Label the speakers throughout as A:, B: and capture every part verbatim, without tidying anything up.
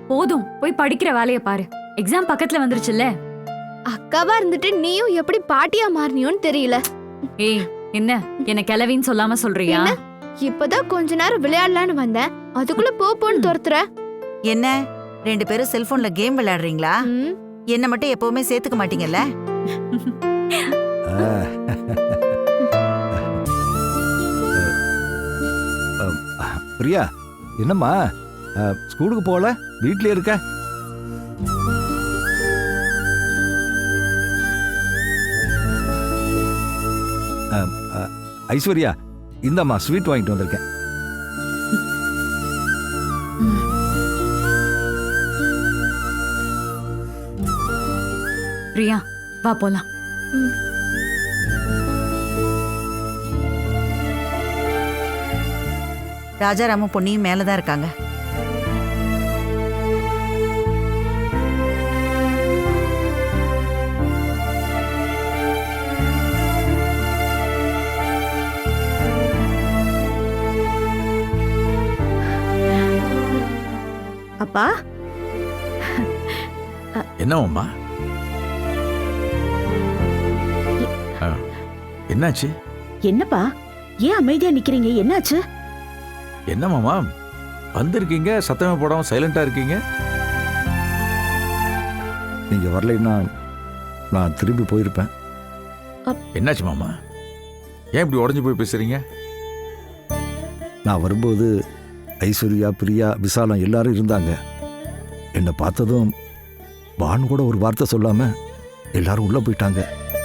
A: போதும், போய் படிக்கிற வேலைய பாரு. எக்ஸாம் பக்கத்துல வந்துருச்சுல்ல.
B: அக்காவா இருந்துட்டு நீயும் எப்படி பாட்டியா மாறினியோன்னு தெரியல.
A: ஏய், என்ன என்ன கிளவின்னு சொல்லாம சொல்றியா?
B: இப்பதான் கொஞ்ச நேரம் விளையாடலான்னு வந்தேன், அதுக்குள்ள போ போன்னு துரத்துற.
C: என்ன ரெண்டு பேரும் செல்போன்ல கேம் விளையாடுறீங்களா?
B: ம்,
C: என்ன மட்டும் எப்பவுமே சேர்த்துக்க மாட்டீங்கல்ல?
D: பிரியா, என்னம்மா ஸ்கூலுக்கு போகல, வீட்லயே இருக்க? ஐஸ்வர்யா, இந்தம்மா ஸ்வீட் வாங்கிட்டு வந்திருக்கேன்.
A: பிரியா, வா போலாம்.
C: ராஜாராமும் பொன்னியும் மேலதான் இருக்காங்க.
E: அப்பா,
F: என்னம்மா? என்னாச்சு?
E: என்னப்பா ஏன் அமைதியா நிக்கிறீங்க? என்னாச்சு?
F: என்னமாமா வந்திருக்கீங்க, சத்தமே போடாம சைலண்டா இருக்கீங்க?
D: நீங்க வரலைன்னா நான் திரும்பி போயிருப்பேன்.
F: என்னாச்சு மாமா? ஏன் இப்படி உடஞ்சு போய் பேசுறீங்க?
D: நான் வரும்போது ஐஸ்வர்யா, பிரியா, விசாலம் எல்லாரும் இருந்தாங்க. என்னை பார்த்ததும் பானு கூட ஒரு வார்த்தை சொல்லாம எல்லாரும் உள்ள போயிட்டாங்க.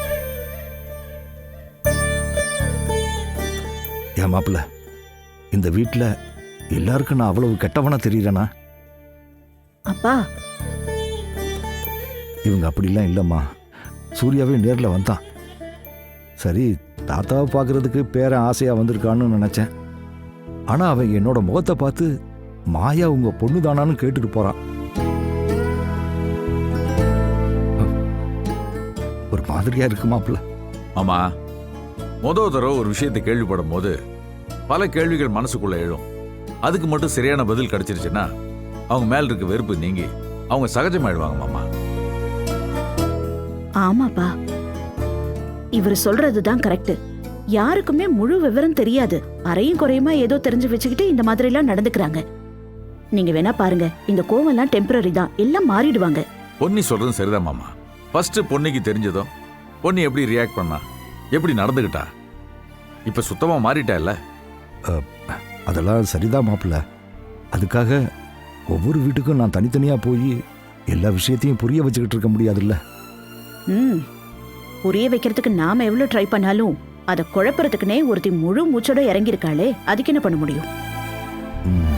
D: என் மாப்பிள்ள, இந்த வீட்டில் எல்லாருக்கும் நான் அவ்வளவு கெட்டவனா தெரியறேனா?
E: அப்பா,
D: இவங்க அப்படிலாம் இல்லைம்மா. சூர்யாவே நேரில் வந்தான். சரி, தாத்தாவை பார்க்கறதுக்கு பேரன் ஆசையாக வந்திருக்கான்னு நினச்சேன். ஆனால் அவன் என்னோட முகத்தை பார்த்து மாயா உங்க பொண்ணு தானான்னு கேட்டுட்டு போறான். ஒரு மாதிரியா இருக்கு மாப்பிள்ள.
F: ஆமா, முதல் தடவை ஒரு விஷயத்தை கேள்விப்படும் போது பல கேள்விகள் மனசுக்குள்ள எழும். அதுக்கு மட்டும் சரியான பதில் கிடைச்சிருச்சுன்னா அவங்க மேல இருக்க வெறுப்பு நீங்கி அவங்க சகஜமாயிடுவாங்க மாமா.
E: ஆமாப்பா, இவர் சொல்றதுதான் கரெக்ட். யாருக்குமே முழு விவரம் தெரியாது. அரையும் குறையுமா ஏதோ தெரிஞ்சு வச்சுக்கிட்டு இந்த மாதிரி எல்லாம் நடந்துக்கிறாங்க. நீங்க வேணா பாருங்க, இந்த கோவம் எல்லாம் டெம்பரரி தான், எல்லாம் மாறிடுவாங்க.
F: பொன்னி சொல்றது சரிதான் மாமா. ஃபர்ஸ்ட் பொன்னிக்கு தெரிஞ்சதும் பொன்னி எப்படி ரியாக்ட் பண்ணா, எப்படி நடந்துகிட்டா, இப்ப சுத்தமா மாறிட்டா இல்ல?
D: அதெல்லாம் சரிதான் மாப்பிள்ள. அதுக்காக ஒவ்வொரு வீட்டுக்கும் நான் தனித்தனியா போய் எல்லா விஷயத்தையும் புரிய வச்சுக்கிட்டு இருக்க முடியாதுல்ல.
E: ம், புரிய வைக்கிறதுக்கு நாம எவ்வளவு ட்ரை பண்ணாலும் அதை குழப்பறதுக்குனே ஒருத்தி முழு மூச்சோட இறங்கியிருக்காளே, அதுக்கு என்ன பண்ண முடியும்?
D: ம்